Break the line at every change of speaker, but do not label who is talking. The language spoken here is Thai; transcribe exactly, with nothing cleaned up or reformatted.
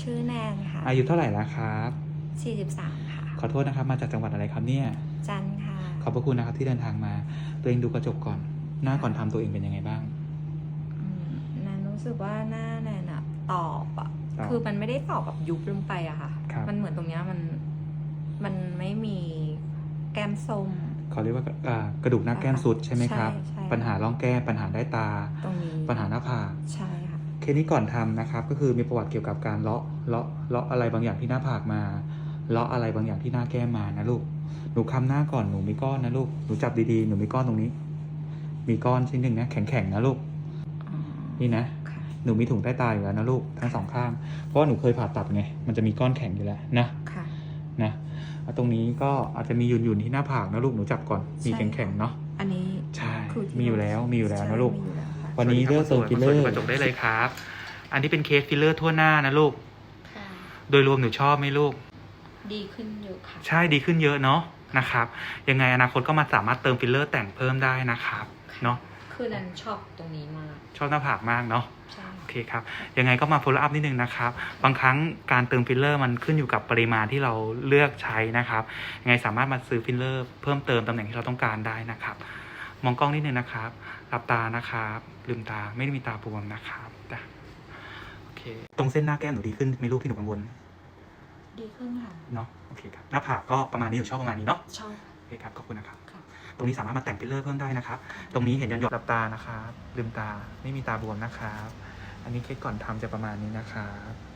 ชื่อแนนค่ะ
อายุเท่าไหร่แล้วครับ
สี่สิบสามค่ะ
ขอโทษนะครับมาจากจังหวัดอะไรครับเนี่ย
จันค่ะ
ขอบพระคุณนะครับที่เดินทางมาตัวเองดูกระจกก่อนหน้าก่อนทำตัวเองเป็นยังไงบ้าง
อืมแนนรู้สึกว่าหน้าแนนอะตอบอะคือมันไม่ได้ตอบแบบยุบลงไปอะค่ะมันเหมือนตรงเนี้ยมันมันไม่มีแก้มส้ม
เขาเรียกว่ากระดูกหน้าแก้มสุดใช่ไหมครับปัญหาร่องแก้มปัญหาได้ตา
ตรงนี้
ปัญหาหน้าผาก
ใช่ค่ะ
เคสนี้ก่อนทำนะครับก็คือมีประวัติเกี่ยวกับการเลาะเลาะเลาะอะไรบางอย่างที่หน้าผากมาเลาะอะไรบางอย่างที่หน้าแก้มมานะลูกหนูคำหน้าก่อนหนูมีก้อนนะลูกหนูจับดีๆหนูมีก้อนตรงนี้มีก้อนชิ้นหนึ่งนะแข็งๆนะลูกนี่นะหนูมีถุงใต้ตาอยู่แล้วนะลูกทั้งสองข้างเพราะว่าหนูเคยผ่าตัดไงมันจะมีก้อนแข็งอยู่แล้วนะนะตรงนี้ก็อาจจะมีหยุ่นๆที่หน้าผากนะลูกหนูจับก่อนมีแข็งๆเนาะ
อันนี้
ใช่มีอยู่แล้วมีอยู่แล้วนะลูกวันนี้เลือกเติมฟิลเลอร์กระจกได้เลยครับอันนี้เป็นเคสฟิลเลอร์ทั่วหน้านะลูกโดยรวมหนูชอบไหมลูก
ดีขึ้นเยอะค่ะ
ใช่ดีขึ้นเยอะเนาะนะครับยังไงอนาคตก็มาสามารถเติมฟิลเลอร์แต่งเพิ่มได้นะครับเนาะ
คือนันชอบตรงนี้มาก
ชอบหน้าผากมากเนาะโอเคครับยังไงก็มา follow up นิดนึงนะครับบางครั้งการเติมฟิลเลอร์มันขึ้นอยู่กับปริมาณที่เราเลือกใช้นะครับยังไงสามารถมาซื้อฟิลเลอร์เพิ่มเติมตำแหน่งที่เราต้องการได้นะครับมองกล้องนิดนึงนะครับหลับตานะครับลืมตาไม่ได้มีตาบวมนะครับโอเคตรงเส้นหน้าแก้มหนูดีขึ้นไหมลูกที่หนูกังวล
ดีขึ้นค่ะ
เนาะโอเคครับหน้าผากก็ประมาณนี้หนูชอบประมาณนี้เนาะ
ชอบ
โอเคครับขอบคุณนะครับตรงนี้สามารถมาแต่งฟิลเลอร์เพิ่มได้นะครับตรงนี้เห็นยันหยดหลับตานะครับลืมตาไม่มีตาบวมนะครับอันนี้เคสก่อนทำจะประมาณนี้นะครับ